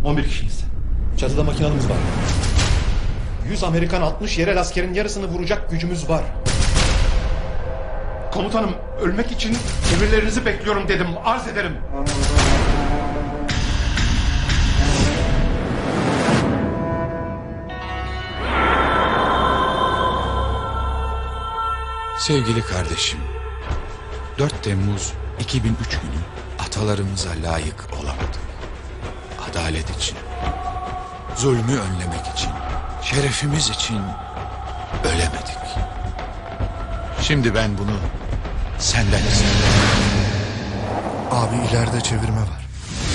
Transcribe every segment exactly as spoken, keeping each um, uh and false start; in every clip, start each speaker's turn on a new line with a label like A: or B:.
A: on bir kişiyiz.
B: Çatıda makinalımız var.
A: yüz Amerikan, altmış yerel askerin yarısını vuracak gücümüz var. Komutanım, ölmek için emirlerinizi bekliyorum dedim. Arz ederim.
C: Sevgili kardeşim, dört Temmuz iki bin üç günü atalarımıza layık olamadık. Adalet için, zulmü önlemek için, şerefimiz için ölemedik. Şimdi ben bunu senden istiyorum.
D: Abi ileride çevirme var.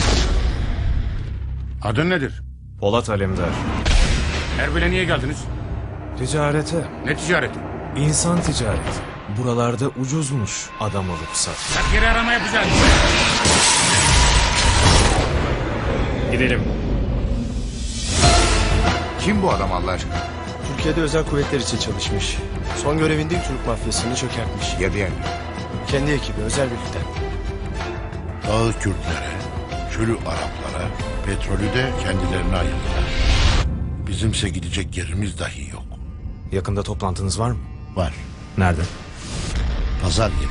E: Adın nedir?
F: Polat Alemdar.
E: Erbil'e niye geldiniz?
F: Ticarete.
E: Ne ticareti?
F: İnsan ticareti. Buralarda ucuzmuş adam alıp sat.
E: Sen geri arama yapacağız.
F: Gidelim.
E: Kim bu adam Allah aşkına?
G: Türkiye'de özel kuvvetler için çalışmış. Son görevinde Türk mafyasını çökertmiş.
E: Ya diğerleri?
G: Kendi ekibi özel birlikten.
H: Dağı Kürtlere, çölü Araplara, petrolü de kendilerine ayırdılar. Bizimse gidecek yerimiz dahi yok.
F: Yakında toplantınız var mı?
H: Var.
F: Nerede?
H: Pazar yeri.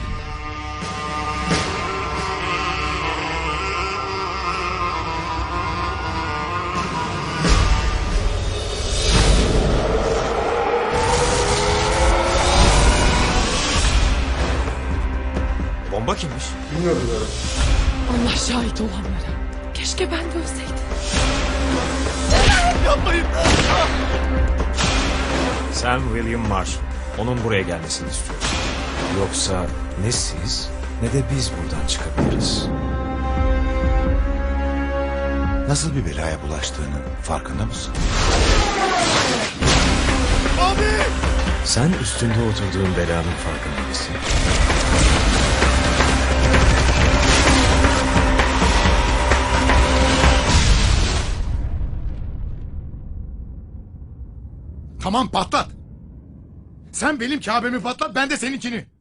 F: Bomba kimmiş?
I: Allah şahit olanlara. Keşke ben de ölseydim.
F: Sam William Marshall. Onun buraya gelmesini istiyorum. Yoksa ne siz ne de biz buradan çıkabiliriz.
C: Nasıl bir belaya bulaştığının farkında mısın?
F: Sen üstünde oturduğun belanın farkında mısın?
E: Tamam patlat. Sen benim Kabe'mi patlat, ben de seninkini.